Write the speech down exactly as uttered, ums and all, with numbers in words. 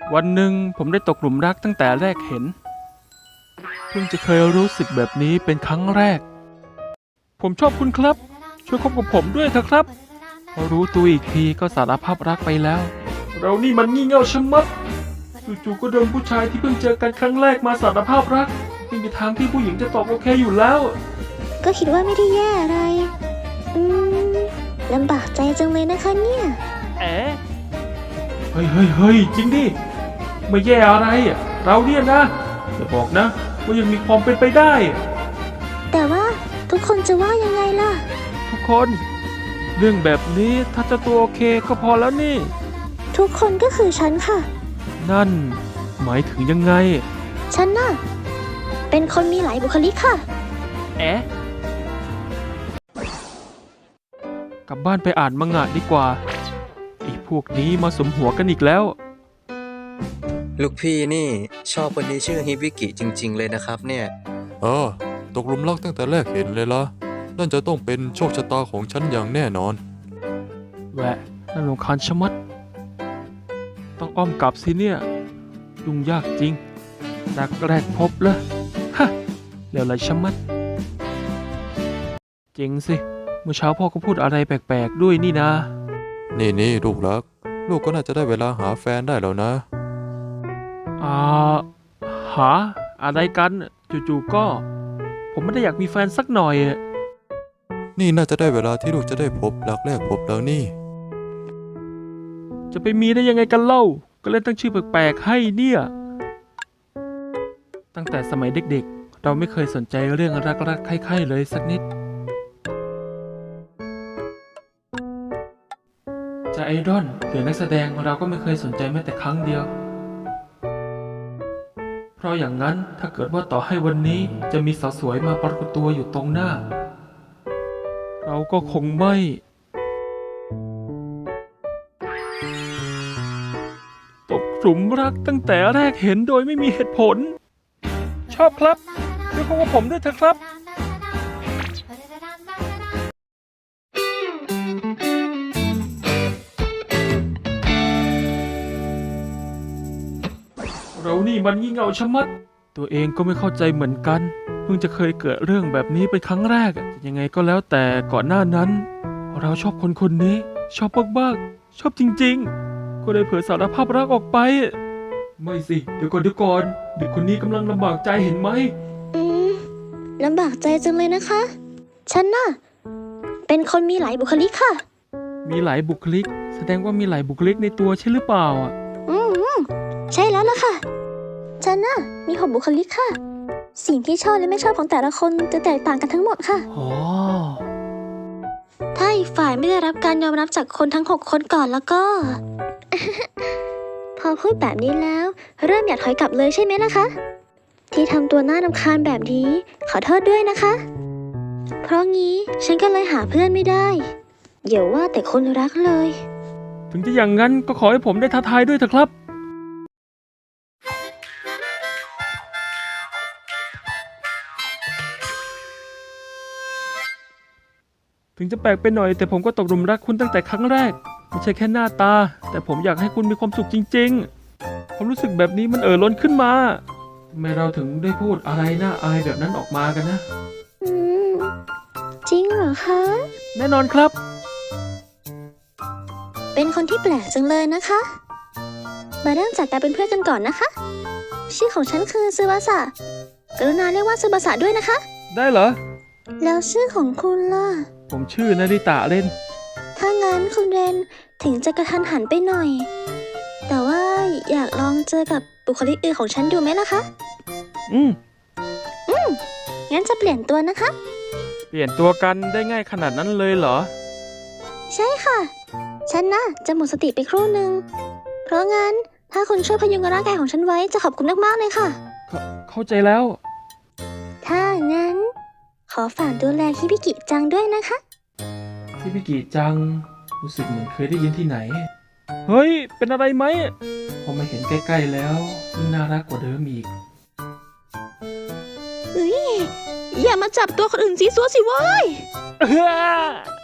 วันหนึ่งผมได้ตกหลุมรักตั้งแต่แรกเห็นเพิ่งจะเคยรู้สึกแบบนี้เป็นครั้งแรกผมชอบคุณครับช่วยคบกับผมด้วยเถอะครับพอรู้ตัวอีกทีก็สารภาพรักไปแล้วเรานี่มันงี่เง่าชะมัดจู่ๆก็โดนผู้ชายที่เพิ่งเจอกันครั้งแรกมาสารภาพรักไม่มีทางที่ผู้หญิงจะตอบโอเคอยู่แล้วก็คิดว่าไม่ได้แย่อะไรอืมลำบากใจจังเลยนะคะเนี่ยเอ๋เฮ้ยเฮ้ยเฮ้ยจริงดิไม่แย่อะไรเราเนี่ยนะอย่าบอกนะว่ายังมีความเป็นไปได้แต่ว่าทุกคนจะว่ายังไงล่ะทุกคนเรื่องแบบนี้ถ้าจะตัวโอเคก็พอแล้วนี่ทุกคนก็คือฉันค่ะนั่นหมายถึงยังไงฉันน่ะเป็นคนมีหลายบุคลิกค่ะเอ๊ะกลับบ้านไปอ่านมังงะดีกว่าไอ้พวกนี้มาสมหัวกันอีกแล้วลูกพี่นี่ชอบคนที่ชื่อฮิบิกิจริงๆเลยนะครับเนี่ยเออตกหลุมรักตั้งแต่แรกเห็นเลยละนั่นจะต้องเป็นโชคชะตาของฉันอย่างแน่นอนแหวะน่ารำคาญชะมัดต้องอ้อมกลับสิเนี่ยยุ่งยากจริงรักแรกพบเลยฮะเร็วเลยชะมัดเจ๋งสิเมื่อเช้าพ่อก็พูดอะไรแปลกๆด้วยนี่นะนี่นี่ลูกรักลูกก็น่าจะได้เวลาหาแฟนได้แล้วนะอ่าหาอะไรกันจู่ๆก็ผมไม่ได้อยากมีแฟนสักหน่อยนี่น่าจะได้เวลาที่ลูกจะได้พบรักแรกพบแล้วนี่จะไปมีได้ยังไงกันเล่าก็เล่นตั้งชื่อแปลกๆให้เนี่ยตั้งแต่สมัยเด็กๆเราไม่เคยสนใจเรื่องรักๆใคร่ๆเลยสักนิดจะไอดอลหรือนักแสดงเราก็ไม่เคยสนใจแม้แต่ครั้งเดียวเพราะอย่างนั้นถ้าเกิดว่าต่อให้วันนี้จะมีสาวสวยมาปรากฏตัวอยู่ตรงหน้าเราก็คงไม่ตกหลุมรักตั้งแต่แรกเห็นโดยไม่มีเหตุผลชอบครับช่วยคบกับผมด้วยเถอะครับเรานี่มันงี่เง่าชะมัดตัวเองก็ไม่เข้าใจเหมือนกันเพิ่งจะเคยเกิดเรื่องแบบนี้เป็นครั้งแรกยังไงก็แล้วแต่ก่อนหน้านั้นเราชอบคนคนนี้ชอบมากๆชอบจริงๆก็เลยเผยสารภาพรักออกไปไม่สิเดี๋ยวก่อนเดี๋ยวก่อนเด็กคนนี้กำลังลำบากใจเห็นไหมอืมลำบากใจจังเลยนะคะฉันน่ะเป็นคนมีหลายบุคลิกค่ะมีหลายบุคลิกแสดงว่ามีหลายบุคลิกในตัวใช่หรือเปล่าอ่ะอืมใช่แล้วล่ะค่ะฉันน่ะมีหกบุคลิกค่ะสิ่งที่ชอบและไม่ชอบของแต่ละคนจะแตกต่างกันทั้งหมดค่ะอ๋อถ้าอีกฝ่ายไม่ได้รับการยอมรับจากคนทั้งหกคนก่อนแล้วก็ พอพูดแบบนี้แล้วเริ่มอยากถอยกลับเลยใช่ไหมล่ะคะที่ทำตัวน่ารำคาญแบบนี้ขอโทษด้วยนะคะเพราะงี้ฉันก็เลยหาเพื่อนไม่ได้อย่าว่าแต่คนรักเลยถึงจะอย่างนั้นก็ขอให้ผมได้ท้าทายด้วยเถอะครับถึงจะแปลกไปหน่อยแต่ผมก็ตกหลุมรักคุณตั้งแต่ครั้งแรกไม่ใช่แค่หน้าตาแต่ผมอยากให้คุณมีความสุขจริงๆความรู้สึกแบบนี้มันเอ่อล้นขึ้นมาทำไมเราถึงได้พูดอะไรน่าอายแบบนั้นออกมากันนะอืมจริงเหรอคะแน่นอนครับเป็นคนที่แปลกจังเลยนะคะมาเริ่มจากการเป็นเพื่อนกันก่อนนะคะชื่อของฉันคือซึบาสะกรุณาเรียกว่าซึบาสะด้วยนะคะได้เหรอแล้วชื่อของคุณล่ะผมชื่อนาริตะเรนถ้างั้นคุณเรนถึงจะกระทันหันไปหน่อยแต่ว่าอยากลองเจอกับบุคลิกอื่นของฉันดูไหมล่ะคะอืมอืมงั้นจะเปลี่ยนตัวนะคะเปลี่ยนตัวกันได้ง่ายขนาดนั้นเลยเหรอใช่ค่ะฉันน่ะจะหมดสติไปครู่หนึ่งเพราะงั้นถ้าคุณช่วยพยุงร่างกายของฉันไว้จะขอบคุณมากๆเลยค่ะเข้าใจแล้วถ้างั้นขอฝากดูแลฮิบิกิจังด้วยนะคะฮิบิกิจังรู้สึกเหมือนเคยได้ยินที่ไหนเฮ้ยเป็นอะไรไหมพอมาเห็นใกล้ๆแล้วน่ารักกว่าเดิมอีกเฮ้ยอย่ามาจับตัวคนอื่นซีซัวสิเว้ย